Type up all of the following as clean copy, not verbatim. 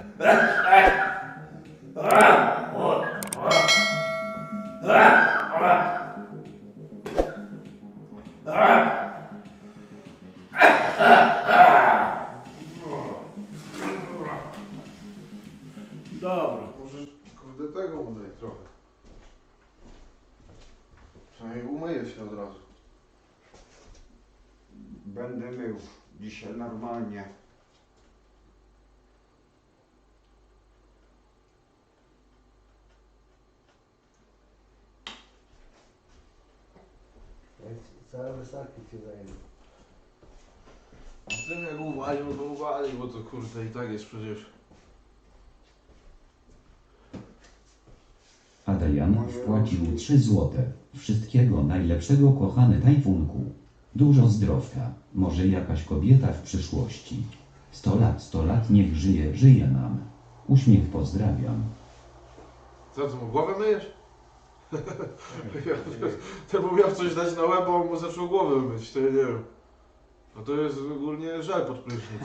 Dobra. Może kurde tego udaj trochę. Przynajmniej umyję się od razu. Będę mył dzisiaj normalnie. Całe wystarki ci zajęły. Tym jak uwalił, to uwalił, bo to kurde i tak jest przecież. Adrian wpłacił 3 złote. Wszystkiego najlepszego, kochany Tajfunku. Dużo zdrowka. Może jakaś kobieta w przyszłości. 100 lat niech żyje, żyje nam. Uśmiech pozdrawiam. Co, ty mu głowę myjesz? Ten mu miał coś dać na łeb, a on mu zaczął głowę myć, to ja nie wiem. A to jest ogólnie żel pod prysznic.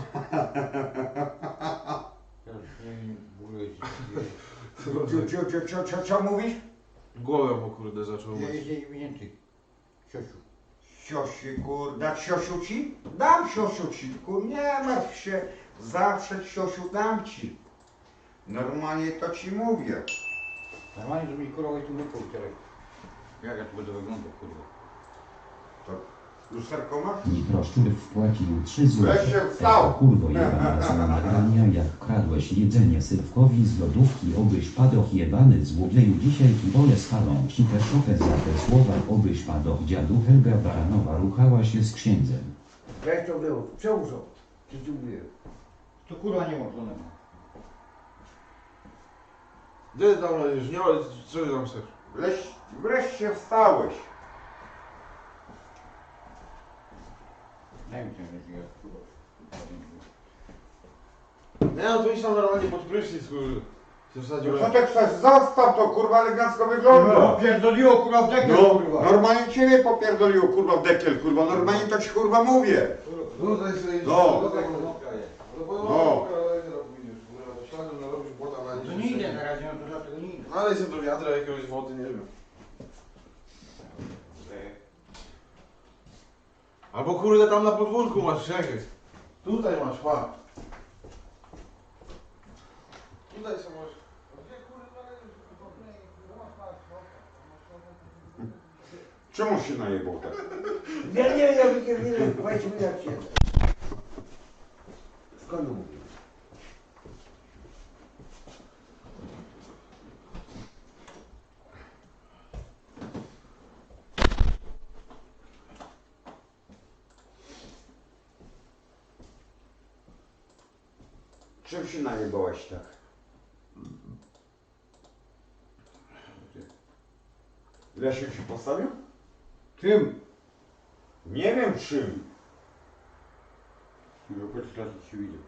Co mówisz? Głowę mu kurde zaczął myć. Jeździ więcej. Siosiu. Siosi, kurda, siosiu ci? Dam siosiu ci, kur, nie martw się. Zawsze siosiu dam ci. Normalnie to ci mówię. Normalnie, że mi kurwa tu wypał teraz. Jak ja tu będę wyglądał, kurwa. Lusterko masz? Mikroszczur wpłacił 3 złote. Weź się wstał. Eto, kurwo jebana, co nagrania, jak kradłeś jedzenie Sylwkowi z lodówki, obyś padoch jebany złodzieju. Dzisiaj kibole spalą ci też okę za te słowa, obyś padoch. Dziadu Helga Baranowa ruchała się z księdzem. Jak to było? Przełóżą. Ty tu mówię. To kurwa nie ma żonego. Gdzie ty tam leżysz? Nie ma, co ty tam chcesz? Wreszcie wstałeś. Daj mi ten ręcznik, kurwa. Nie no, to idź tam normalnie pod prysznic, kurde. Się wsadził. Co ty chcesz? Zostaw to, kurwa, elegancko wygląda. Pierdoliło kurwa w dekiel, No, kurwa. normalnie ciebie popierdoliło, kurwa, w dekiel, kurwa, normalnie to ci, kurwa, mówię. Tutaj sobie idź. No. No. Śladem narobisz błota na To nie idę na razie, no to dlatego nie idę. Ale się do wiadra jakiegoś wody, nie wiem. Albo kurde tam na podwórku masz, czekaj. Tutaj masz, pa. Tutaj są masz. Gdzie kurwa Czemu się najebał tak? Ja nie wiem, ja wykierdolę, weź mi jak się. Skąd mówię? Czym się najebałeś tak? Lesiu się postawił? Czym? Nie wiem czym. No po 3 razy ci widzę.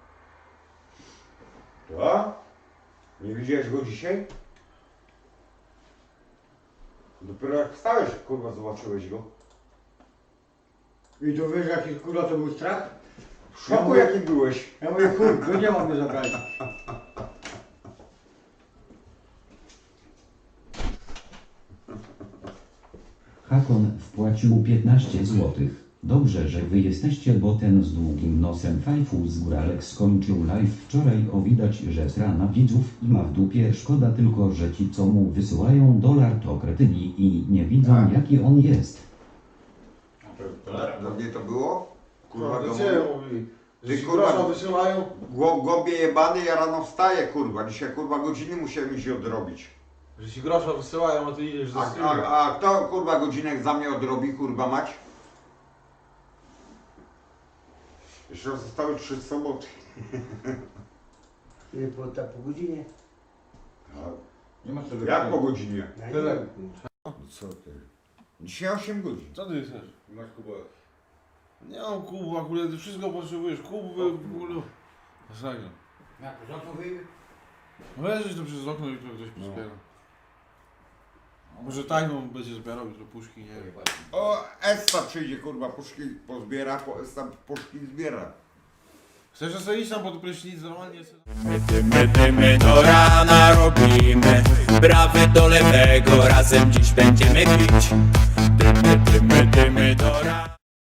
To? Nie widziałeś go dzisiaj? Dopiero jak wstałeś, kurwa, zobaczyłeś go. I to wiesz jaki kurwa to był strach? W szoku jaki byłeś. Ja mówię, kurwa, nie mam mnie zabrać. Hakon wpłacił 15 złotych. Dobrze, że wy jesteście, bo ten z długim nosem fajfu z góralek skończył live wczoraj. O, widać, że strana widzów i ma w dupie. Szkoda tylko, że ci co mu wysyłają dolar to kretyni i nie widzą Tak. jaki on jest. Do mnie to było? Kurwa, No, go gdzie mówi? Że Ty, ci kurwa, grosza wysyłają? Głąbie jebany, ja rano wstaję, kurwa. Dzisiaj, kurwa, godziny musiałem się odrobić. Że ci grosza wysyłają, a ty idziesz do stylu. A kto, kurwa, godzinek za mnie odrobi, kurwa, mać? Jeszcze zostały 3 soboty. I po godzinie. Nie ma co Jak po godzinie? Tyle. Co ty? Dzisiaj 8 godzin. Co ty chcesz? Masz kubę. Nie mam kubu, akurat ty wszystko potrzebujesz. Kubu, w ogóle. Masakra. Jak z okna wyjdzie? No leżysz tu przez okno i tu ktoś pozbiera. Może tajną będzie zbierał jutro puszki, nie wiem. O, Esta przyjdzie, kurwa, puszki pozbiera, Esta puszki zbiera. Chcesz sobie iść tam pod prysznic normalnie? Dymy do rana robimy, prawy do lewego, razem dziś będziemy pić. Dymy do rana.